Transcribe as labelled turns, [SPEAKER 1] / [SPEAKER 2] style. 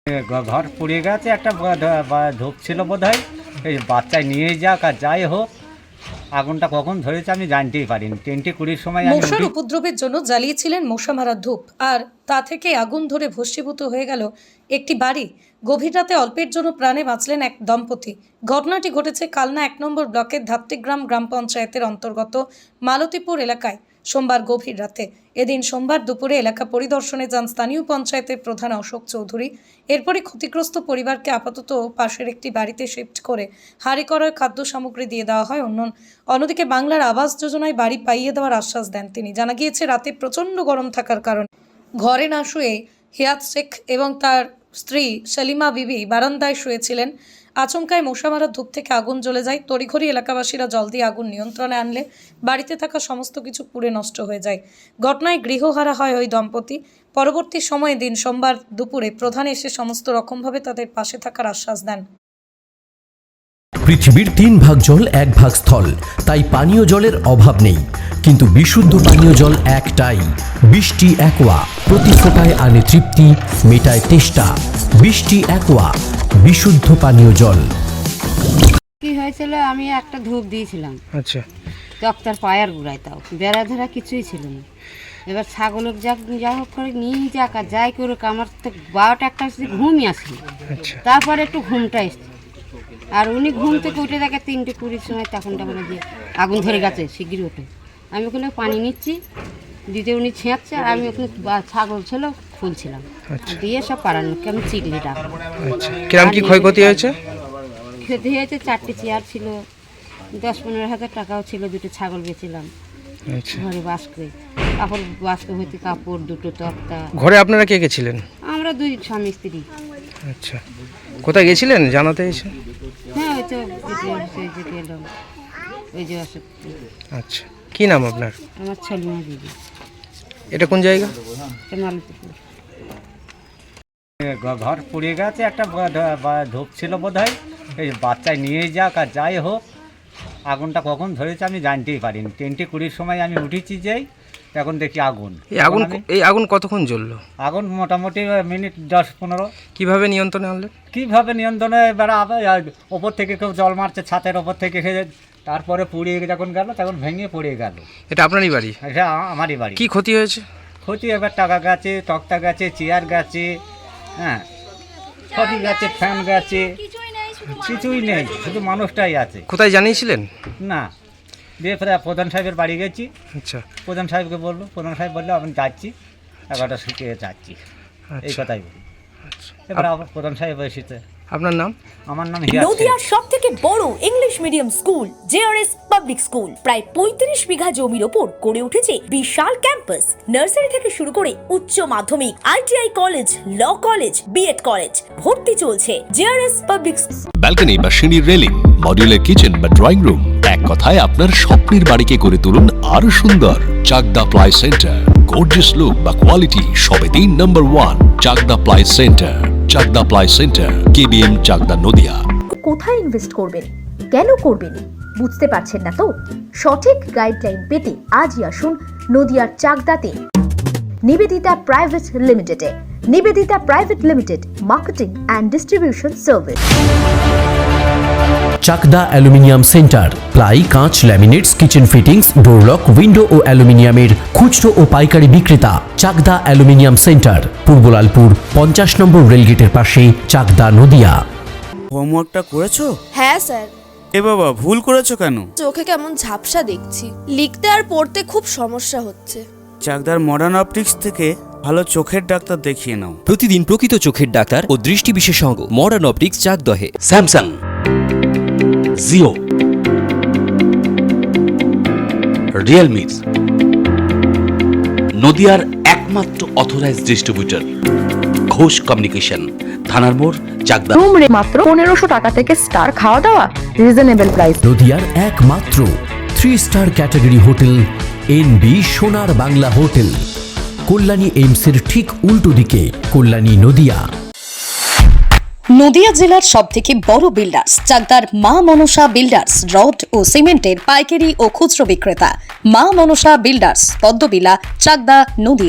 [SPEAKER 1] ঘর পুড়ে গেছে, একটা ধূপ ছিল বোধহয়, এই বাচ্চায় নিয়ে যাক আর যাই হোক, আগুনটা কখন ধরেছে আমি জানতেই পারিনি। 10:20 সময়
[SPEAKER 2] মশার উপদ্রবের জন্য জ্বালিয়েছিলেন মশা মারা ধূপ, আর তা থেকে আগুন ধরে ভস্মীভূত হয়ে গেল একটি বাড়ি। গভীর রাতে অল্পের জন্য প্রাণে বাঁচলেন এক দম্পতি। ঘটনাটি ঘটেছে কালনা 1 নম্বর ব্লকের ধাত্রিগ্রাম গ্রাম পঞ্চায়েতের অন্তর্গত মালতীপুর এলাকায় সোমবার গভীর রাতে। এদিন সোমবার দুপুরে এলাকা পরিদর্শনে যান স্থানীয় পঞ্চায়েতের প্রধান অশোক চৌধুরী। এরপরই ক্ষতিগ্রস্ত পরিবারকে আপাতত পাশের একটি বাড়িতে শিফট করে হাঁড়ি করার খাদ্য সামগ্রী দিয়ে দেওয়া হয়। অন্যদিকে বাংলার আবাস যোজনায় বাড়ি পাইয়ে দেওয়ার আশ্বাস দেন তিনি। জানা গিয়েছে, রাতে প্রচণ্ড গরম থাকার কারণে ঘরে না শুয়ে হিয়াত শেখ এবং তার স্ত্রী সেলিমা বিবি বারান্দায় শুয়েছিলেন। আচমকায় মশা মারা ধূপ থেকে আগুন জ্বলে যায়। তড়িঘড়ি এলাকাবাসীরা জল দিয়ে আগুন নিয়ন্ত্রণে আনলে বাড়িতে থাকা সমস্ত কিছু পুড়ে নষ্ট হয়ে যায়। ঘটনায় গৃহহারা হয় ওই দম্পতি। পরবর্তী সময়ে দিন সোমবার দুপুরে প্রধান এসে সমস্ত রকমভাবে তাদের পাশে থাকার আশ্বাস দেন।
[SPEAKER 3] পৃথিবীর 3 ভাগ জল 1 ভাগ স্থল, তাই পানীয় জলের অভাব নেই। কিন্তু বিশুদ্ধ পানীয় জল একটাই, বৃষ্টি অ্যাকোয়া। প্রতি ফোঁটায় আনে তৃপ্তি, মেটায় তেষ্টা। বৃষ্টি অ্যাকোয়া, বিশুদ্ধ পানীয় জল।
[SPEAKER 4] কি হয়েছিল, আমি একটা ধূপ দিয়েছিলাম,
[SPEAKER 5] আচ্ছা,
[SPEAKER 4] ডক্টর পায়ার গুড়ায়, তাও বেড়া ধরা কিছুই ছিল না। এবার ছাগলের যা হোক করে নিয়ে যাক আর যাই করুক, আমার তো 12টা-1টা ঘুমই আসেনি।
[SPEAKER 5] আচ্ছা,
[SPEAKER 4] তারপরে একটু ঘুমটা এসছে, আর উনি ঘুম থেকে উঠে দেখে 3:20 সময়, তখনটা বলে যে আগুন ধরে গেছে, শিগগিরই ওঠে। আমি ওখানে পানি নিচ্ছি, দিতে উনি ছেঁচছে, আর আমি ওখানে ছাগল ছিল খুলছিলাম, দিয়ে সব পাড়ানোকে আমি চিকলি ডাকলাম।
[SPEAKER 5] আচ্ছা, কিরম কি ক্ষয়ক্ষতি হয়েছে?
[SPEAKER 4] ক্ষতি হয়েছে, 4টে চেয়ার ছিল, 10-15 হাজার টাকাও ছিল, 2টো ছাগল বেছিলাম।
[SPEAKER 5] আচ্ছা,
[SPEAKER 4] ঘরে বাস্কে কাপড়, বাস্ক হইতে কাপড়, 2টো তক্তা।
[SPEAKER 5] ঘরে আপনারা কে কে ছিলেন?
[SPEAKER 4] আমরা 2 স্বামী স্ত্রী।
[SPEAKER 5] আচ্ছা, কোথায় গেছিলেন জানাতে এসে?
[SPEAKER 4] হ্যাঁ, ওই তো গেলাম, ওই যে অশোক।
[SPEAKER 5] আচ্ছা, কি নাম আপনার?
[SPEAKER 4] আমার ছেলেমা দিদি।
[SPEAKER 5] এটা কোন জায়গা?
[SPEAKER 4] মালতীপুর।
[SPEAKER 1] ঘর পুড়ে গেছে, একটা ধূপ ছিল বোধহয়, এই বাচ্চায় নিয়ে যাক আর যাই হোক, আগুনটা কখন ধরেছে আমি জানতেই পারিনি। 10:20 সময় আমি উঠেছি, যেই তখন দেখি আগুন।
[SPEAKER 5] এই আগুন কতক্ষণ জ্বললো?
[SPEAKER 1] আগুন মোটামুটি মিনিট 10-15।
[SPEAKER 5] কিভাবে নিয়ন্ত্রণে আনলেন?
[SPEAKER 1] কীভাবে নিয়ন্ত্রণে, এবার আবার ওপর থেকে কেউ জল মারছে ছাতের ওপর থেকে, তারপরে পুড়িয়ে যখন গেল তখন ভেঙে পড়ে গেল।
[SPEAKER 5] এটা আপনারই বাড়ি?
[SPEAKER 1] এটা আমারই বাড়ি।
[SPEAKER 5] কি ক্ষতি হয়েছে?
[SPEAKER 1] ক্ষতি এবার টাকা গেছে, তক্তা গেছে, চেয়ার গেছে, হ্যাঁ সবই গেছে, ফ্যান গেছে, কিছুই নেই, শুধু মানুষটাই আছে।
[SPEAKER 5] কোথায় জানিয়েছিলেন?
[SPEAKER 1] না, দিয়ে প্রধান সাহেবের বাড়ি গেছি।
[SPEAKER 5] আচ্ছা,
[SPEAKER 1] প্রধান সাহেবকে বললো, প্রধান সাহেব বললো আমি যাচ্ছি, 11টা শুকিয়ে যাচ্ছি, এই কথাই বলি। এবার আবার প্রধান সাহেব এসেছে।
[SPEAKER 5] আপনার নাম?
[SPEAKER 1] আমার নাম হিয়াত শেখ।
[SPEAKER 6] নদিয়ার সবথেকে বড় English medium school JRS public school প্রায় 35 বিঘা জমির ওপর গড়ে উঠেছে বিশাল ক্যাম্পাস। নার্সারি থেকে শুরু করে উচ্চ মাধ্যমিক, ITI college, law college, B Ed college, ভর্তি চলছে। JRS public.
[SPEAKER 7] ব্যালকনি বা সিঁড়ির রেলিং, মডিউলার কিচেন বা ড্রয়িং রুম, এক কথায় আপনার স্বপ্নের বাড়িকে করে তুলুন আরো সুন্দর। Chakda ply centre, gorgeous look বা কোয়ালিটি সবে 3 number 1 Chakda ply centre. Chakda ply centre, KBM, Chakda, Nadia.
[SPEAKER 8] কোথায় ইনভেস্ট করবেন, কেন করবেন, বুঝতে পারছেন না তো? সঠিক গাইডলাইন পেতে আজই আসুন নদিয়ার চাকদাতে নিবেদিতা প্রাইভেট লিমিটেডে। Nivedita private limited, marketing and distribution service.
[SPEAKER 3] Chakda aluminium centre, ply, কাঁচ, laminates, kitchen fittings, door lock, window ও অ্যালুমিনিয়ামের খুচরো ও পাইকারি বিক্রেতা। Chakda aluminium centre, Purbalalpur 50 number রেলগেটের পাশে, চাকদা, নদিয়া।
[SPEAKER 9] হোমওয়ার্কটা করেছো?
[SPEAKER 10] হ্যাঁ স্যার।
[SPEAKER 9] এ বাবা, ভুল করেছো কেন?
[SPEAKER 10] চোখে কেমন ঝাপসা দেখছি, লিখতে আর পড়তে খুব সমস্যা হচ্ছে।
[SPEAKER 9] চাকদার মডার্ন অপটিক্স থেকে ভালো চোখের ডাক্তার দেখিয়ে নাও।
[SPEAKER 11] প্রতিদিন প্রকৃত চোখের ডাক্তার ও দৃষ্টি বিশেষজ্ঞ মডার্ন অপটিক্স, চাকদহে।
[SPEAKER 7] স্যামসাং, জিও, রিয়েলমি, নদিয়ার একমাত্র অথরাইজড ডিস্ট্রিবিউটর ঘোষ কমিউনিকেশন, থানার মোড়, চাকদা।
[SPEAKER 8] রুম রে মাত্র 1500 টাকা থেকে স্টার, খাওয়া দাওয়া রিজনেবল প্রাইস।
[SPEAKER 3] নদিয়ার একমাত্র 3 স্টার ক্যাটাগরি হোটেল এনবি সোনার বাংলা হোটেল, কল্যাণী এইমসের ঠিক উল্টো দিকে, কল্যাণী, নদিয়া।
[SPEAKER 2] নদিয়া জেলার সবথেকে বড় বিল্ডার্স চাকদার মা মনসা বিল্ডার্স, রড ও সিমেন্টের পাইকারি ও খুচরো বিক্রেতা। মা মনসা বিল্ডার্স, পদ্মবিলা, চাকদা, নদিয়া।